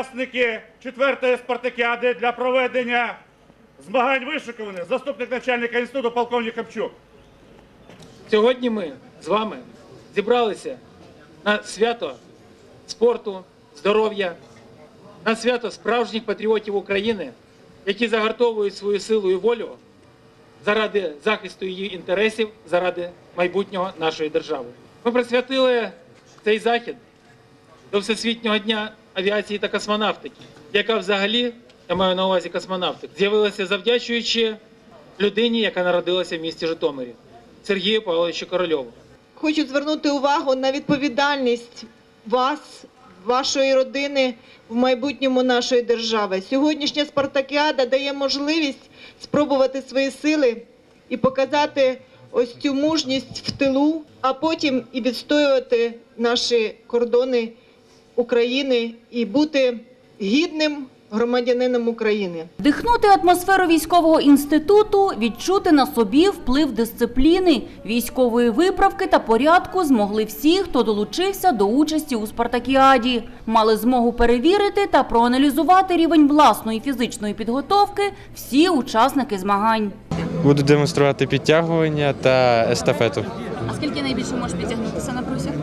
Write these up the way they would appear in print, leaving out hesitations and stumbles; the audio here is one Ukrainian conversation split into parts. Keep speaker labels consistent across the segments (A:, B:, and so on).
A: Учасники 4-ї спартакіади для проведення змагань вишикувані. Заступник начальника інституту полковник Капчук.
B: Сьогодні ми з вами зібралися на свято спорту, здоров'я, на свято справжніх патріотів України, які загартовують свою силу і волю заради захисту її інтересів, заради майбутнього нашої держави. Ми присвятили цей захід до Всесвітнього дня авіації та космонавтики, яка взагалі, я маю на увазі космонавтик, з'явилася завдячуючи людині, яка народилася в місті Житомирі, Сергію Павловичу Корольову.
C: Хочу звернути увагу на відповідальність вас, вашої родини в майбутньому нашої держави. Сьогоднішня спартакіада дає можливість спробувати свої сили і показати ось цю мужність в тилу, а потім і відстоювати наші кордони України і бути гідним громадянином України.
D: Вдихнути атмосферу військового інституту, відчути на собі вплив дисципліни, військової виправки та порядку змогли всі, хто долучився до участі у спартакіаді. Мали змогу перевірити та проаналізувати рівень власної фізичної підготовки всі учасники змагань.
E: Буду демонструвати підтягування та естафету.
D: А скільки найбільше можеш підтягнутися на брусях?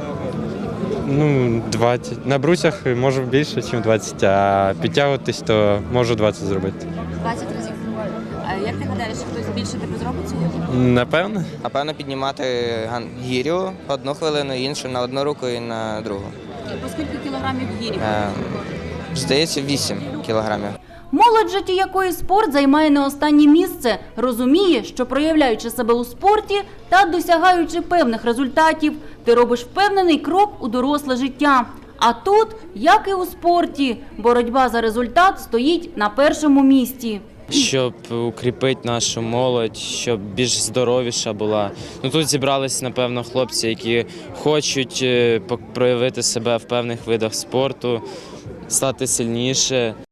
E: 20. На брусях можу більше, ніж 20, а підтягуватись, то можу 20 зробити.
D: 20 разів. А як ти гадаєш, хтось більше тебе зробить сьогодні?
E: Напевно.
F: Напевно, піднімати гірю одну хвилину, іншу на одну руку і на другу.
D: По скільки кілограмів гірі?
F: Здається, 8 кілограмів.
D: Молодь, житті якої спорт займає не останнє місце, розуміє, що проявляючи себе у спорті та досягаючи певних результатів, ти робиш впевнений крок у доросле життя. А тут, як і у спорті, боротьба за результат стоїть на першому місці.
G: Щоб укріпити нашу молодь, щоб більш здоровіша була. Тут зібрались, напевно, хлопці, які хочуть проявити себе в певних видах спорту, стати сильніше.